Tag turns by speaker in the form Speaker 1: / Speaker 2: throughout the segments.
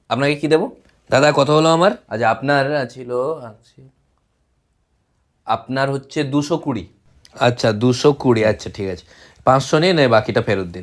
Speaker 1: আপনাকে কি দেবো? দাদা কত হলো আমার? আচ্ছা আপনার ছিল আপনার হচ্ছে 220। আচ্ছা 220, আচ্ছা ঠিক আছে। 500 নিন, বাকিটা ফেরত দিন।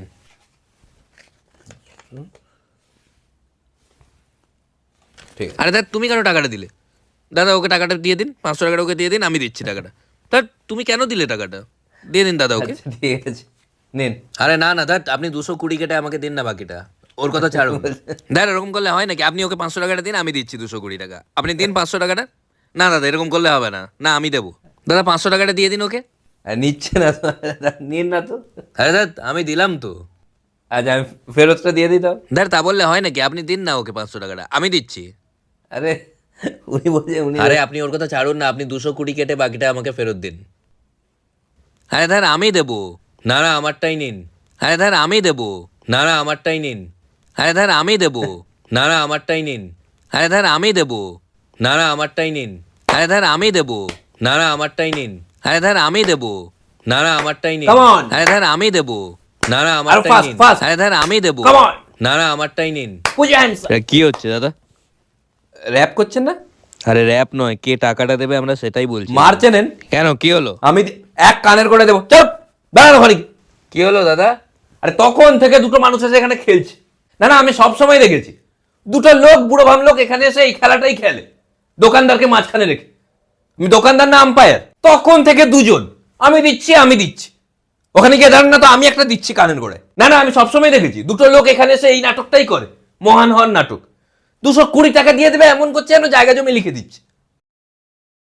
Speaker 1: ঠিক আছে।
Speaker 2: আরে দাদা তুমি কেন টাকাটা দিলে? দাদা ওকে টাকাটা দিয়ে দিন, 500 টাকাটা ওকে দিয়ে দিন, আমি দিচ্ছি টাকাটা। তা তুমি কেন দিলে টাকাটা? দিয়ে দিন দাদা ওকে।
Speaker 1: আচ্ছা ঠিক আছে, নিন।
Speaker 2: আরে না না দাদা, আপনি 220 কেটে আমাকে দিন না বাকিটা। ওর কথা ছাড়ুন। দাদা এরকম করলে হয় নাকি? আপনি ওকে 500 টাকাটা দিন, আমি দিচ্ছি 220 টাকা। আপনি দিন 500 টাকাটা। না দাদা এরকম করলে হবে না, না আমি দেবো। দাদা 500 টাকাটা দিয়ে দিন ওকে।
Speaker 1: নিচ্ছে না তো, নিন না তো।
Speaker 2: আরে দাদা আমি দিলাম তো।
Speaker 1: আচ্ছা আমি ফেরতটা দিয়ে দিই তাও।
Speaker 2: দাদা তা বললে হয় নাকি? আপনি দিন না ওকে 500 টাকাটা, আমি দিচ্ছি।
Speaker 1: আরে উনি বলছে উনি।
Speaker 2: আরে আপনি ওর কথা ছাড়ুন না, আপনি 220 কেটে বাকিটা আমাকে ফেরত দিন। আরে দাদা আমি দেবো। না না আমারটাই নিন। আরে দাদা আমি দেবো। না না আমারটাই নিন। আরে দাদা আমি দেবো। না না আমারটাই নিন। আরে দাদা আমি দেবো। না না আমারটাই নিন। আরে দাদা আমি দেবো। না না আমারটাই নিন। আরে দাদা আমি দেবো। না না আমারটাই নিন।
Speaker 1: Come on!
Speaker 2: আরে দাদা আমি দেবো। না না
Speaker 1: আরো
Speaker 2: আমারটাই
Speaker 1: ফাস্ট
Speaker 2: নিন।
Speaker 1: ফাস্ট।
Speaker 2: আরে দাদা আমি দেবো।
Speaker 1: Come on!
Speaker 2: না না আমারটাই নিন।
Speaker 1: Put your hands up.
Speaker 2: কি হচ্ছে দাদা?
Speaker 1: র‍্যাপ করছেন না?
Speaker 2: আরে র‍্যাপ নয়, কে টাকাটা দেবে আমরা সেটাই বলছি।
Speaker 1: মারছে নেন।
Speaker 2: কেন কি হলো?
Speaker 1: আমি এক কানের করে দেবো, চল বেড়ানো ঘরে।
Speaker 2: কি হলো দাদা?
Speaker 1: আরে তখন থেকে দুটো মানুষ এসে এখানে খেলছে। না না আমি সব সময় দেখেছি, দুটো লোক বুড়ো ভাম লোক এখানে এসে এই খেলাটাই খেলে, দোকানদারকে মাঝখানে রেখে। আমি দোকানদার না আম্পায়ার। তখন থেকে দুজন, আমি দিচ্ছি আমি দিচ্ছি। ওখানে গিয়ে দাঁড়ান না তো, আমি একটা দিচ্ছি কানের গোড়ায়। না না আমি সবসময় দেখেছি দুটো লোক এখানে এসে এই নাটকটাই করে, মহান হওয়ার নাটক। 220 টাকা দিয়ে দেবে এমন করছে যেন জায়গা জমি লিখে দিচ্ছে।